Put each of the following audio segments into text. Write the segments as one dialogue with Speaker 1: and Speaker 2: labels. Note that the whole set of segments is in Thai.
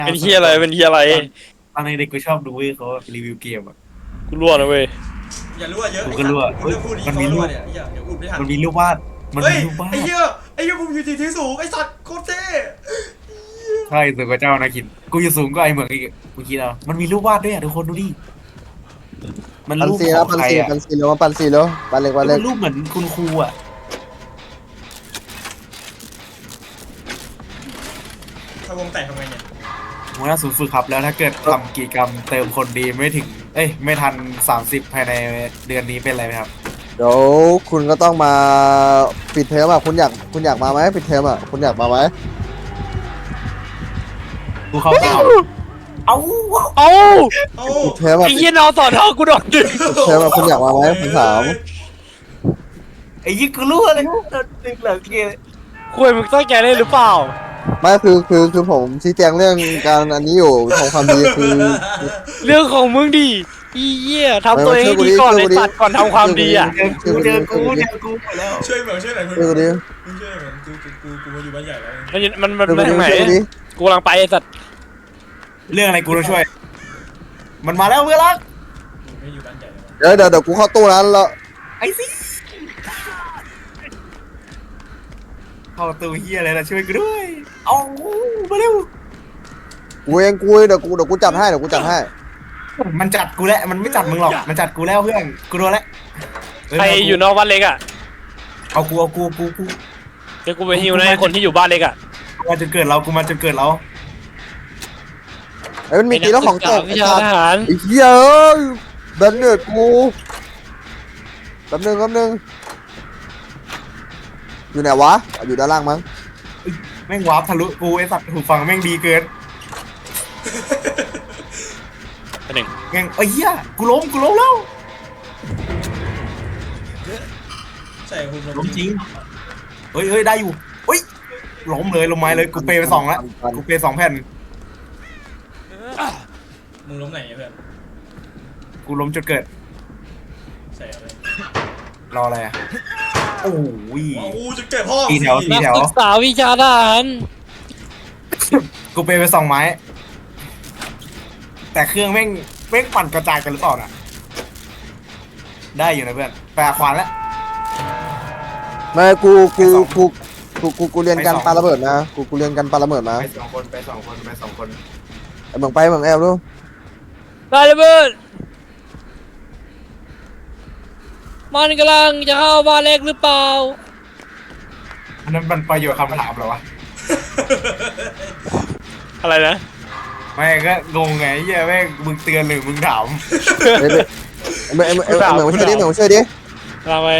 Speaker 1: เป็นเฮียอะไรเป็นเฮียอะไร
Speaker 2: ตอนเด็กกูชอบดูเว้ยเขารีวิวเกมอ่ะ
Speaker 1: กูรั่วนะเว้ย
Speaker 3: อย่ารั่วเยอะ
Speaker 2: กูก็รั่ว
Speaker 3: มึงเริ่มพูดดีเขารั่วเนี่ยอย่าอุดไม่ทัน
Speaker 2: มันมีรูปวาดมัน
Speaker 3: เฮ้ย
Speaker 2: มีรูปวาด
Speaker 3: ไอ้เหี้ยผมอยู่ที่สูงไอ้สัตว์โคตรเท่
Speaker 2: ใช่สูงกว่าเจ้านาคินกูอยู่สูงกว่าไอ้เหมืองอีกกูคิดเอามันมีรูปวาดด้วยอ่ะทุกคนดูดิมัน
Speaker 4: ปัน
Speaker 2: รูป
Speaker 4: ซี
Speaker 2: ข
Speaker 4: แล้
Speaker 2: อ
Speaker 4: ว
Speaker 2: ง
Speaker 4: ปัน
Speaker 2: ใคร
Speaker 4: ซี
Speaker 2: อ่ะ
Speaker 4: ปันซีแล้วปันซีแล้วปันเล็กปันเล็
Speaker 2: มั
Speaker 4: ก
Speaker 2: นรูปเหมือนคุณครูอ่ะ
Speaker 3: ถ้าวงแตกทำไงเนี่ย
Speaker 2: หัวหน้าศูนย์ฝึกครับแล้วถ้าเกิดทำกิจกรรมเติมคนดีไม่ถึงไม่ทัน30ภายในเดือนนี้เป็นไรไหมครับ
Speaker 4: เดี๋ยวคุณก็ต้องมาปิดเทอมอ่ะคุณอยากมาไหมปิดเทอมอ่ะคุณอยากมาไหม
Speaker 2: กูเข้าเปล่าเอ้า
Speaker 1: เอ้า
Speaker 3: เอ้า
Speaker 4: ปิดเทอมอ่ะ
Speaker 1: ไอ้เฮียนอนต่อเท่ากูโดนดึง
Speaker 4: ปิดเทอมอ่ะคุณอยากมาไหมผมถาม
Speaker 2: ไอ้ยี่กูรู้อะไรดึงเหลือเกย
Speaker 1: คุยมึงตั้งใจเล่นหรือเปล่า
Speaker 4: ไม่คือผมชี้แจงเรื่องการอันนี้อยู่ของความดีคือ
Speaker 1: เรื่องของมึงดิอีเหี้ยทำตัวเองให้ดีก่อนไอ้สัตว์ก่อนทำความดีอ่ะ
Speaker 2: เจอกูหมดแล้ว
Speaker 3: ช่วยเหมือนช่วยหน่อย
Speaker 4: ช่วยกูดิ
Speaker 3: ช่วยเหมือนกูมาอยู่บ้านใหญ่แล้ว
Speaker 1: มัน
Speaker 4: ช่วยกู
Speaker 1: มา
Speaker 4: ดิ
Speaker 1: ทางไหน
Speaker 4: ช่วยกูดิ
Speaker 1: กูกำลังไปไอ้สัตว์
Speaker 2: เรื่องอะไรกูต้องช่วย มันมาแล้วเพื่อนรัก
Speaker 3: ไม่อยู่บ้านใหญ่แล้ว
Speaker 4: เดี๋ยวกูเข้าตู้นั้นแล้ว
Speaker 2: ไอ้สิเข้าตัวเฮียอะไรนะช่วยกูด้วยเอามาเร็ว
Speaker 4: กูเดี๋ยวกูจัดให้
Speaker 2: มันจัดกูแล้วมันไม่จัดมึงหรอกมันจัดกูแล้วเพื่อนกูโดนแล้ว
Speaker 1: ใครอยู่นอกบ้านเล็กอ่ะ
Speaker 2: เอากู
Speaker 1: เดี๋ยวกูไปฮิวนะไอ้คนที่อยู่บ้านเล็กอ่ะ
Speaker 2: มาจนเกิดเรากูมาจนเกิดเรา
Speaker 4: ไอ้มันมีตีแล้วของตก
Speaker 1: วิชาทหาร
Speaker 4: ไอ้เหี้ยเอ้ยเดินเนือดกูแป๊บนึงอยู่ไหนวะอยู่ด้านล่างมั้ง
Speaker 2: แม่งวาร์ปทะลุกูไอ้สัตว์หูฟังแม่งดีเกิน
Speaker 1: อันหนึ่ง
Speaker 2: แม่งเฮียกูล้มแล้ว
Speaker 3: ใช่คุณ
Speaker 2: ล้มจริงเฮ้ยได้อยู่เฮ้ยล้มเลยลงไม้เลยกูเปย์ไป2แล้วกูเปย์2แผ่น
Speaker 3: มึงล้มไหนเพื่อน
Speaker 2: กูล้มจนเกิด
Speaker 3: ใส่อะไร
Speaker 2: รออะไรอ่ะโอ้ย
Speaker 3: กูจะเก็บพ่อ
Speaker 2: สี่แถว
Speaker 1: นักศึกษาวิชาทหาร
Speaker 2: กูเปย์ไป2ไม้แต่เครื่องแม่งปั่นกระจายกันหรือเปล่าน่ะได้อยู่นะเพื่อนแปลขวานแล้ว
Speaker 4: ไม่กูเรียนการปาระเบิดนะกูเรียนการปาระเบิดนะ
Speaker 2: ไปสองคน
Speaker 4: ไอ้เมืองไปเมืองแอลดู
Speaker 1: ได้เลยเบิร์ดมันกำลังจะเข้าบ้านเล็กหรือเปล่า
Speaker 2: อันนั้นมันประโยชน์คำถามเหรอวะ
Speaker 1: อะไรนะ
Speaker 2: ไม่ก็งงไงเหี้ยแม่งมึงเตือนหรือมึงถาม
Speaker 4: ไอ้เมืองมาช่วยดิเมืองมาช่วยดิ
Speaker 1: ลาไป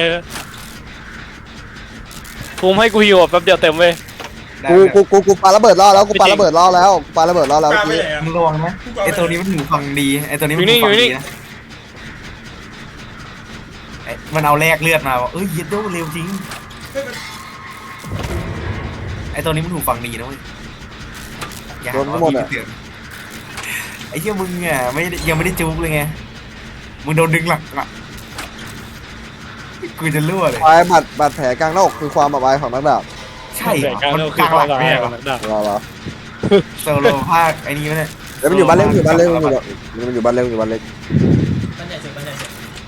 Speaker 1: ภูมิให้กูหิวแป๊บเดียวเต็มเว้ย
Speaker 4: กูปาระเบิดล่อแล้วกูปาระเบิดล่อแล้วเ
Speaker 3: กล้า
Speaker 4: มื่อ
Speaker 3: ไป
Speaker 4: กี้
Speaker 3: ไหนอ่ะ
Speaker 2: มึงระวังนะไอตัวนี้มันหูฟังดีไอตัวนี้มันหูฟังดีนะมันเอาแลกเลือดมาเอ้ยเย็ดโดเร็วจริงไอตัวนี้มันหูฟังดีนะเว้ยอย่าไอเชี่ยมึงอ่ะยังไม่ได้จุกเลยไงมึงโดนดึงหลักอ่ะกูจะรั่วเลย
Speaker 4: บาดแผลกลางหน้าอกคือความอับอายของนักดาบ
Speaker 2: ใช่มันกลางหลักไม่ใช่หรอ
Speaker 4: รอ
Speaker 2: โซโลภาคไอ้นี่เนี่ย
Speaker 4: แล้วมันอยู่บ้านเล็กมันอยู่บ้านเล็กมันอยู่บ้านเล็ก
Speaker 3: บ้านใหญ่เสร็จ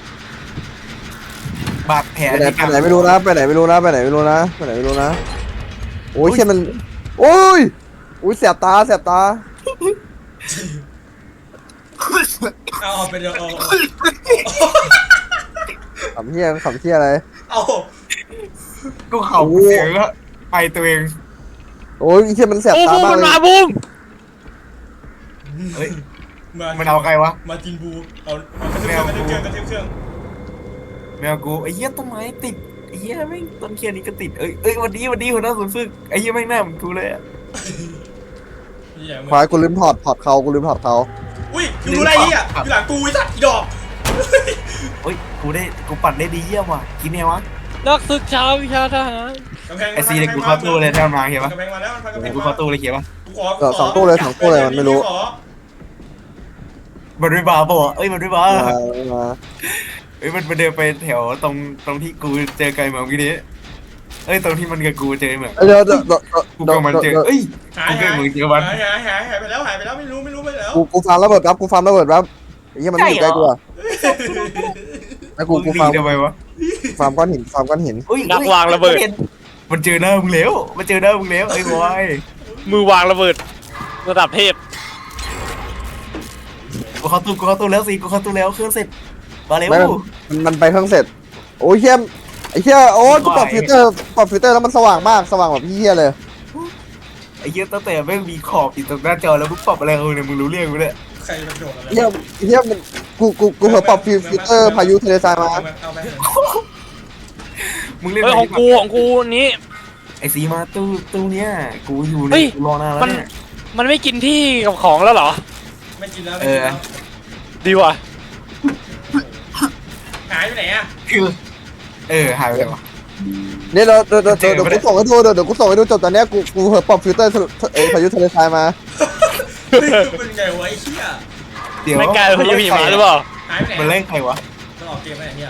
Speaker 2: บาดแผล
Speaker 4: ไปไหนไม่รู้นะโอ้ยเช่นมันโอ้ยแสบตา
Speaker 3: เอาไปเดี๋ยวเอา
Speaker 4: ขำเที่ยอะไร
Speaker 3: เอา
Speaker 2: ก็เข่าเสียงก็ไปตัวเอง
Speaker 4: โอ้ยเช่นมันแสบ
Speaker 1: โอ้
Speaker 4: ตา
Speaker 1: ภูมิ
Speaker 4: มาก
Speaker 1: มัน
Speaker 4: เลย
Speaker 1: มาภูมิ
Speaker 2: เฮ้ยมันเอาใครวะ
Speaker 3: มาจินบูเอากระเทียมเครื่อง
Speaker 2: แมวกูไอ้เหี้ยต้นไม้ติดไอ้เหี้ยแม่งต้นเคียนนี้ก็ติดวันนี้หัวหน้าศูนย์ฝึกไอ้เหี้ยแม่งหน้าเหมือนกูเลยอ่ะ
Speaker 4: ควายกูลืมถอดเขากูลืมถอดเขา
Speaker 3: อุ้ยอยู่ไรเหี้ยอยู่หลังกูไอ้สัตว์อีดอก
Speaker 2: เฮ้ยกูปัดได้ดีเยี่ยมว่ะกินไงวะ
Speaker 1: นักศึกษาวิชาทหาร
Speaker 2: ไอซีเลยกูเข้าตู้เลยแถวมาเขียนปะ
Speaker 3: กำแพงมาแล้วมันกำแพง
Speaker 2: กูเข้าตู้เลยเขียนปะ
Speaker 4: สองตู้เลยมันไม่รู้
Speaker 2: มันไม่บาป่ะมันไม่บามันเดินไปแถวตรงที่กูเจอไก่เหมือนกี้นี้เอ้ยตรงที่มันกับกูเจอเหมือน
Speaker 4: เดี๋ยว
Speaker 2: กูกับมันเจอเอ้ย
Speaker 3: หาย
Speaker 2: กูกับมึงเจอวัน
Speaker 3: หายไปแล้วไม่รู้ไปแล้ว
Speaker 4: กูฟาร์มระเบิดครับกูฟาร์มระเบิดครับไอ้เหี้ยมันไม่อยู่ใกล้กูอะไอ้กู
Speaker 2: มึง
Speaker 4: ฟาร์ม
Speaker 2: ทำไมวะ
Speaker 4: ฟาร์มก้อนหินฟาร์มก้อนหิน
Speaker 2: อุ้ย
Speaker 1: นักวางระเบิด
Speaker 2: มันเจอหน้ามึงแล้วมันเจอหน้ามึงแล้วไอ้บอย
Speaker 1: มือวางระเบิดระดับเทพ
Speaker 2: กูเข้าตู้แล้วสิกูเข้าตู้แล้วเครื่องเสร็จมาเร็ว
Speaker 4: ไม่มันไปเครื่องเสร็จโอ้ยเฮียไอ้เฮียโอ้ยกูปรับฟิลเตอร์แล้วมันสว่างมากสว่างแบบเฮียเลย
Speaker 2: ไอ้เหี้ยตั้งแต่แม่งมีขอบอยู่ตรงหน้าจอแล้วมึงปรับอะไรเอาเนี่ยมึงรู้เรื่องกูเนี่ย
Speaker 3: ใครมันโดดอะไร
Speaker 4: เฮียมันกูเผลอปรับฟิลเตอร์พายุทะเลทรายมา
Speaker 3: เอาไป
Speaker 2: มึงเล่น
Speaker 1: เฮ้ยของกูนี้
Speaker 2: ไอ้สีมาตู้เนี้ยกูอยู่
Speaker 1: เฮ้
Speaker 2: เนี่ย
Speaker 1: ย
Speaker 2: กูรอนานแล้ว
Speaker 1: มัน
Speaker 2: เนี่ย
Speaker 1: มันไม่กินที่กับของแล้วเหรอ
Speaker 3: ไม่กินแล้วไม่กินแล้ว
Speaker 1: ดีว่ะ
Speaker 3: หายไปไหนอ่ะ
Speaker 2: คือหายไปเลยวะ
Speaker 4: เนี่ยเดี๋ยวกูส่งให้ดูเดี๋ยวกูส่งให้ดูจบตอนเนี้ยกูเผลอปรับฟิลเตอร์พายุทะเลทรายมา
Speaker 3: เป็นไงวะไอ้เหี้ย
Speaker 2: เดี๋ยว
Speaker 1: ไม่กลายเป็นพายุหิมะหรือเปล่า
Speaker 3: หายไปไหน
Speaker 2: มันเล่นใครวะ
Speaker 3: ต้องออกเกมไปไหนเนี่ย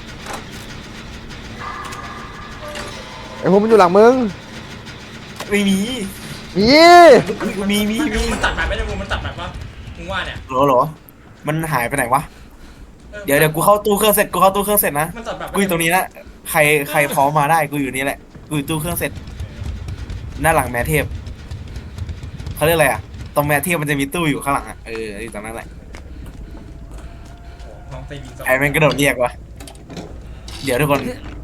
Speaker 4: ไอ้พวกมันอยู่หลังมึง
Speaker 2: ไม่มี
Speaker 4: มี
Speaker 3: มันตัดแบบไม่ได้มึงมันตัดแบบปะมึงว่าเนี่ย
Speaker 2: เหรอมันหายไปไหนวะเดี๋ยวกูเข้าตู้เครื่องเสร็จนะ
Speaker 3: มันตัดแบบ
Speaker 2: กูอยู่ตรงนี้นะใครพร้อมมาได้กูอยู่นี่แหละกูอยู่ตู้เครื่องเสร็จหน้าหลังแม่เทพเขาเรียกอะไรอ่ะตรงแม่เทพมันจะมีตู้อยู่ข้างหลังอ่ะอยู่ตรงนั้นแหละ
Speaker 3: น้องเตยบิน
Speaker 2: ไอ้แม่งกระโดดเรียกวะเดี๋ยวทุกคน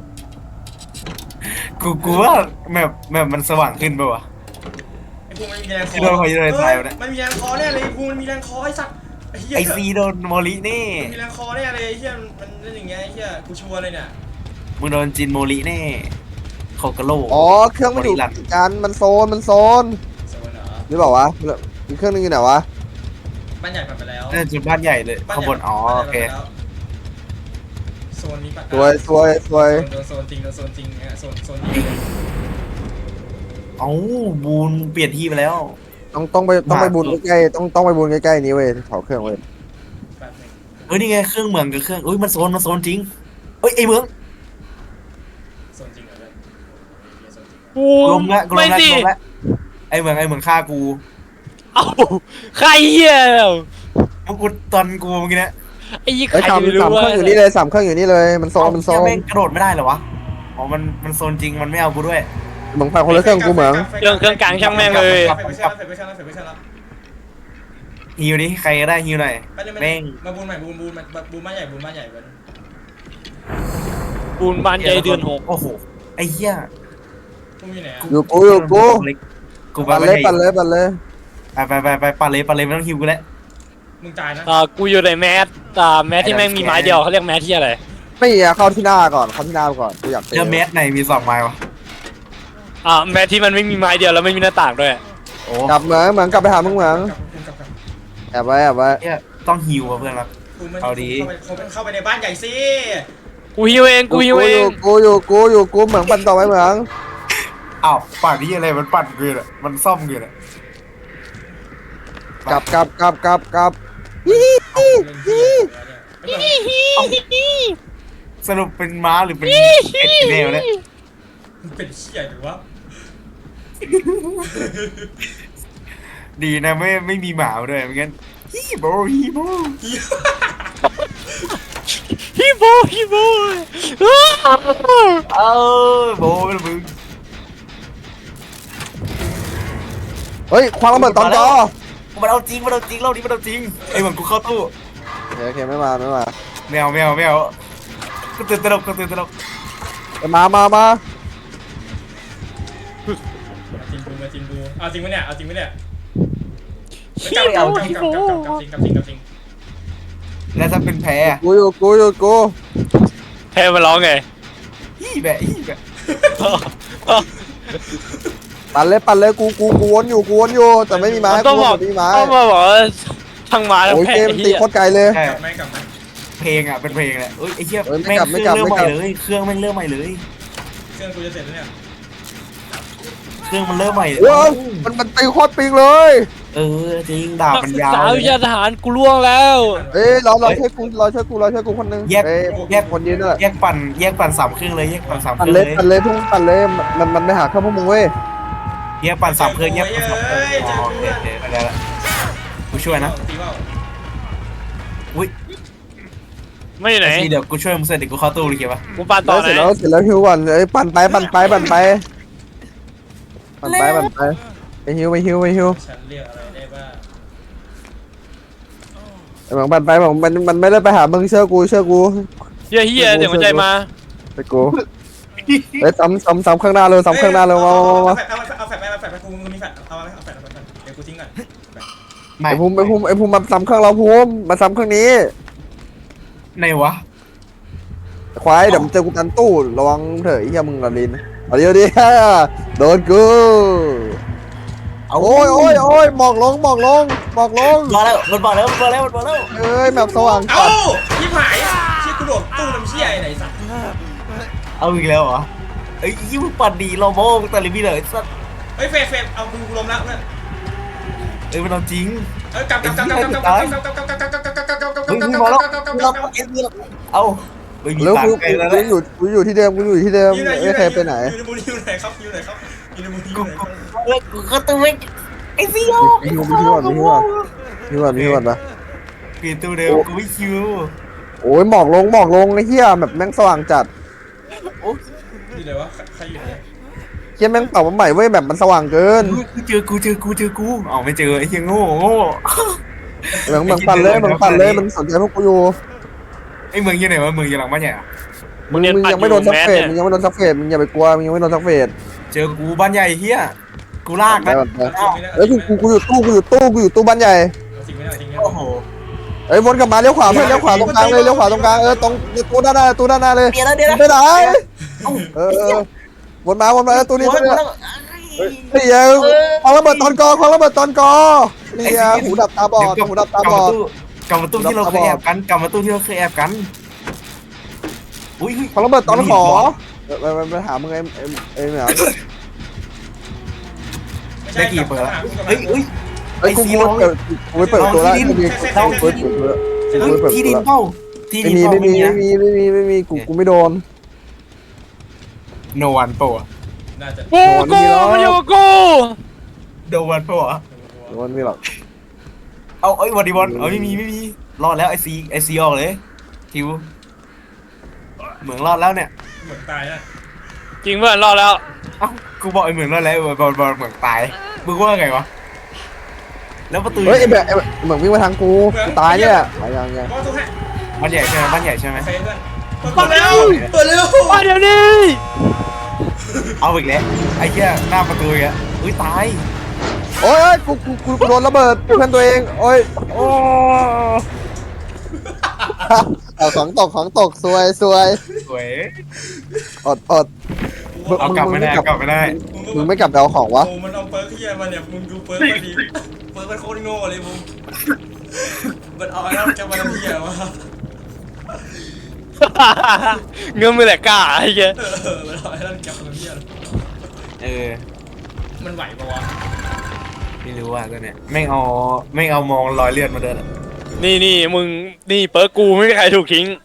Speaker 2: กูว่าแมปมันสว่างขึ้นป่ะวะ
Speaker 3: ไอ้พวกมันมีแรงคอ
Speaker 2: ที่โดนพายุทะเลทรายเนี่ย
Speaker 3: มันมีแรงคอแน่เลยพวกมันมีแรงคอไอ้สัตว์ไอ้เหี้ย
Speaker 2: ไอซีโดนโมลินี่
Speaker 3: มันมีแรงคอแน่เลยไอ้เหี้ยมันเล่นอย่างเงี้ยไอ้เหี้ยกูชัวร์เลยเนี่ย
Speaker 2: มึงโดนจินโมลินี่โคกาโล
Speaker 4: อ๋อเครื่องมันอยู่กันมันโซน
Speaker 3: โซนเหรอ
Speaker 4: หรือเปล่าวะอีกเครื่องนึงอยู่ไหนวะ
Speaker 3: บ้านใหญ่ไปแล้ว
Speaker 2: น่าจะบ้านใหญ่เลยข้างบนโอเค
Speaker 3: โซนนี้ปะ
Speaker 4: สวย
Speaker 3: โดนโซนจริงเนี่ยโซนนี้
Speaker 2: เอ้าบูนเปลี่ยนที่ไปแล้ว
Speaker 4: ต้องไปบูนใกล้ๆต้องไปบูนใกล้ๆนี้เว้ยเผาเครื่องเว้ย
Speaker 3: แบบหนึง
Speaker 2: นี่ไงเครื่องเมืองกับเครื่องมันโซนจริงไอเมือง
Speaker 3: โซนจริงเหรอเลยโซนจริง
Speaker 1: กู
Speaker 2: ลมละ
Speaker 1: ไม่สิ
Speaker 2: ไอเมืองฆ่ากู
Speaker 1: เอ้าใครเหี้ย
Speaker 2: กูตอนกูเมื่อกี้นะ
Speaker 1: ไอ้ยี่ใค
Speaker 4: ไอ้
Speaker 1: ร
Speaker 4: สาม
Speaker 1: ไม่รู้
Speaker 4: เค
Speaker 1: ว่า
Speaker 4: รื่องอยู่นี่เลย3เครื่องอยู่นี่เลยมันโซน
Speaker 2: แม่งกระโดดไม่ได้เหรอวะอ๋อมันโซนจริงมันไม่เอากูด้วย
Speaker 4: เหมือนไปคนละเครื่องกูเหมือง
Speaker 1: เครื่องกลางช่างแม่งเลย
Speaker 3: เฟกไม่ใช่แล้ว
Speaker 2: ฮิวดิใครก็ได้ฮิวหน่อยแม่ง
Speaker 3: มาบูนใหม่บูนบ้านใหญ่บูน
Speaker 1: ปูนบานใหญ่เดือน 6
Speaker 2: โอ้โหไอ้เหี้ย
Speaker 3: พวกมีไหน
Speaker 4: อยู่กู
Speaker 2: กู
Speaker 4: ปั่นเลย
Speaker 2: ไป
Speaker 4: ปั่นเลย
Speaker 2: ไปปั่นเลยไม่ต้องฮิวกูแล้ว
Speaker 3: มึงตายนะ
Speaker 1: กูอยู่ในแมสแมสที่แม่งมีไม้เดียวเขาเรียกแมสที่อะไร
Speaker 4: ไม่อยากเข้าที่หน้าก่อนกูอยากเตะ
Speaker 2: แล้วเมสไหนมี2ไม้วะ
Speaker 1: แมสที่มันไม่มีไม้เดียวแล้วไม่มีหน้าต่างด้วย
Speaker 2: โอ้
Speaker 4: กลับเหมืองกลับไปหามึงเหมืองแอบไว้
Speaker 2: เนี่ยต้องฮิวอ่ะเพื่อนครับ เอาดี
Speaker 3: เข้าไปในบ้านใหญ่สิ
Speaker 1: กูฮิวเอง
Speaker 4: กูอยู่เหมืองปั่นต่อไปเหมือง
Speaker 2: อ้าวปั่นนี่อะไรมันปั่นเกินอ่ะมันซ่อมเกินอ่ะ
Speaker 4: กลับ
Speaker 2: สรุปเป็นม้าหรือเป็นเป็ดแมวเนี่ย
Speaker 3: เป็นเชี่ยหรือวะ
Speaker 2: ดีนะไม่มีหมาด้วยไม่งั้นฮีโบ
Speaker 1: ฮิโบ
Speaker 2: โบเป็นมึง
Speaker 4: เฮ้ยควางระเบิดตอนจอ
Speaker 2: มันเอาจริงรอบนี้มันเอาจริงไอ้เหมือนกูเข้าตู้
Speaker 4: โอเคไม่มา
Speaker 2: แมวก็ตื่นตระหนก
Speaker 4: มา
Speaker 3: จริงบูเอาจริงไหมเนี่ยจริง
Speaker 2: แล้วถ้าเป็นแพ้
Speaker 4: กูอยู่
Speaker 1: แพ้มาร้องไง
Speaker 2: ฮีแบะ
Speaker 4: ปั่นเลยกูวนอยู่แต่ไม่มีไม้
Speaker 1: ต้องบอก
Speaker 4: ไม่มีไม้
Speaker 1: ต้องมาบอกว่าทั้งมาทั้ง
Speaker 4: โอ้ย
Speaker 1: แพ้
Speaker 4: เกมตีโคตรไกลเลย
Speaker 2: ใช่
Speaker 3: กลับไหม
Speaker 2: เพลงอ่ะเป็นเพลงแหละเอ้ยไอ้เหี้ย
Speaker 4: เอ้ยไม่
Speaker 2: แม่ง
Speaker 4: กลับ
Speaker 2: เครื่องเริ่ม
Speaker 4: ไม่
Speaker 2: ให
Speaker 4: กลั
Speaker 2: ม่
Speaker 4: บ
Speaker 2: เลยเครื่องแม่งเริ่มใหม่เลย
Speaker 3: เครื่องกูจะเสร็จแล้วเนี่ย
Speaker 2: เครื่องมันเริ่มใหม่
Speaker 4: ว้าวมันตีโคตรปิงเลย
Speaker 2: ไเออจริงดาบ
Speaker 1: นัก
Speaker 2: มัน
Speaker 1: ศึก
Speaker 2: ยาว
Speaker 1: ษา
Speaker 2: เล
Speaker 1: วิ
Speaker 2: ย
Speaker 1: ชาทหารกูล่วงแล้ว
Speaker 4: เอ้ยรอช่วยกูรอช่วยกูคนนึงเอ้ยคนยืนนั่นแหละ
Speaker 2: แยกปั่นสามครึ่งเลยแยกปั่นสามค
Speaker 4: ปั่น
Speaker 2: รึ่ง
Speaker 4: เล
Speaker 2: เลย ย
Speaker 4: พุ่งปั่นเลยมันไม่หาเข้าพวกมึงเว้ย
Speaker 2: แยกปั่นสามครึ่งแยกปั่นสามครึ่งอ๋อโอเคโอเคไปแล้วกูช่วยนะ
Speaker 3: ตีว่า
Speaker 2: อุ้ย
Speaker 1: ไม่อยู่ไหน
Speaker 2: ทีเดี๋ยวกูช่วยมึงเสร็จเดี๋ยวกูเข้าตู้เลยเขียนปะ
Speaker 1: กูปั่นต่อไหน
Speaker 4: เสร็จแล้วฮิวก่อนเอ้ยปั่นไปไปฮิว
Speaker 3: ฉันเรียกอะไรได้บ้าง
Speaker 4: ไอ้หวังปั่นไปหวังมันไม่ได้ไปหามึงเชื่อกู
Speaker 1: เฮียเสียงหัวใจมา
Speaker 4: ไปกูเอ้ยซ้ำข้างหน้าเลยซ้ำข้างหน้าเลยมา
Speaker 3: เอาแฟดไปกูมีแฟดเอาแฟดเดี๋ยวกูทิ้งก่อน
Speaker 2: ไม่
Speaker 4: ไอ้ภูมิมาซ้ำข้างเราภูมิมาซ้ำข้างนี้
Speaker 2: ไหนวะ
Speaker 4: ควายเดี๋ยวมึงเจอกูตันตู้ระวังเถอะไอ้เหี้ยมึงละลินเอาเดี๋ยวดิ โดนกูโอ้ยหมอกลง
Speaker 2: มาแล้วมันมาแล้ว
Speaker 4: เอ้ยแบบสว่าง
Speaker 3: เอ้า
Speaker 4: จัด
Speaker 3: ที่หายเชี่ยกูโดดตู้น้ำเชี่ยไหนสัตว์
Speaker 2: เอาอีกแล้วเหรอเอ้ยยิ่งปั่นดีเราโม่แต่ลิมิเลยสัส
Speaker 3: เฮ้ยเฟดเอากูล้มแล้วเพื่อน
Speaker 2: เอ้ยมันเอาจริง
Speaker 3: เอ้ยกลับ
Speaker 2: เฮ้ยมีมาแล้วเอาไม่มี
Speaker 4: แล้ว
Speaker 2: ตัง
Speaker 4: กู
Speaker 2: ค์ไปแล้วนะ
Speaker 4: อยู่ที่เดิมไม่เคยไปไหน
Speaker 3: อยู่ในมูลอยู่ไหนครับอยู่ไหนครับ
Speaker 2: กูก็ต้องไม่ไอ้ฟิว
Speaker 4: มีฮิวก่อนปะ
Speaker 2: เปลี่ยนตัวเดิมกูไม่คิว
Speaker 4: โอ้ยหมอกลงไอ้เหี้ยแบบแม่งสว่างจัด
Speaker 3: อยู่ไหนวะใครอยู่ไหน
Speaker 4: เหี้ยแม่งเป่ามาใหม่เว้ยแบบมันสว่างเกิน
Speaker 2: เจอกูอ๋อไม่เจอไอ้เหี้ยโง่
Speaker 4: เหมืองปั่นเลยมันสนใจพวกกูอยู่
Speaker 2: ไอ้เมืองยังไหนวะเมืองยังหลังบ้านใหญ่อะ
Speaker 4: มึงยังไม่โดนซักเฟสมึงยังไม่โดนซักเฟสมึงอย่าไปกลัวมึงยังไม่โดนซักเฟส
Speaker 2: เจอกูบ้านใหญ่เฮียกูลากนะ
Speaker 4: เอ้ยกูอยู่ตู้บ้านใหญ่
Speaker 3: สิ่งไม่ได้จริง
Speaker 2: โอ้โห
Speaker 4: เอ้ยวนกลับมาเลี้ยวขวาเพื่อนเลี้ยวขวาตรงกลางเลยตรงตู้ด้านหน้าเลย
Speaker 2: เดี๋ยว
Speaker 4: ไม่ได้วนมาตู้นี้นี่ยังควางระเบิดตอนกนี่ยังหูดับตาบอด
Speaker 2: กลับมาตู้ที่เราเคยแอบกันอุ้ย
Speaker 4: ควางระเบิดตอนขอไปหามึงไอ้เหมียว
Speaker 2: ได้กี่เปิดแล้วเฮ้ย
Speaker 4: ไอ้กูเปิดตัวแล้ว
Speaker 2: ที่ดินเป้า
Speaker 4: ไม่มีกูไม่โดน
Speaker 2: โนวันโปะ
Speaker 3: น่าจะ
Speaker 1: กูมันอยู่กับกู
Speaker 2: โนวันโปะ
Speaker 4: โดนไม่หรอก
Speaker 2: เอาไอ้วันดีบอลไม่มีรอดแล้วไอซีออกเลยทิวเหมืองรอดแล้วเนี่ย
Speaker 3: เหมือนตายนะ
Speaker 1: จริงเพื่อนรอดแล้ว
Speaker 2: เอ้ากูบอกไอ้เหมืองรอดแล้วบอลเหมืองตายมึงว่าไงวะแล้วประตู
Speaker 4: เฮ้ยไอ้แบบเหมือนวิ่งมาทางกูตายเนี่ยยัง
Speaker 3: ก็ต้องให้
Speaker 2: บ้านใหญ่ใช่ไหม
Speaker 3: เฟดเพื่อนเปิดเร็ว
Speaker 1: มาเดี๋ยวนี้
Speaker 2: เอาอีกแล้วไอ้เหี้ยหน้าประตูอีกแล้วอุ้ยตาย
Speaker 4: โอ้ยกูโดนระเบิดเพื่อนตัวเองโอ้ยเอาของตกสวย
Speaker 2: สวย
Speaker 4: อด
Speaker 2: เอากลับไม่ได้
Speaker 4: มึงไม่กลับไปเอาของวะ
Speaker 3: โอ้มันเอาเปิร์กเฮียมาเนี่ยมึงดูเปิร์กมาดีเปิร์กมันโคตรโง่เลยมึงมันเอาแล้วจะมาเฮียวะ
Speaker 1: เงื่อนมือแหลกกล้าไอ้เงี้ย
Speaker 3: มันเอาแล้วจะมาเฮีย มันไหวปะวะ
Speaker 2: ไม่รู้ว่าตัวเนี้ยไม่เอามองรอยเลือดมาเดิน
Speaker 1: นี่มึงนี่เปิร์กกูไม่มีใครถูกทิ้ง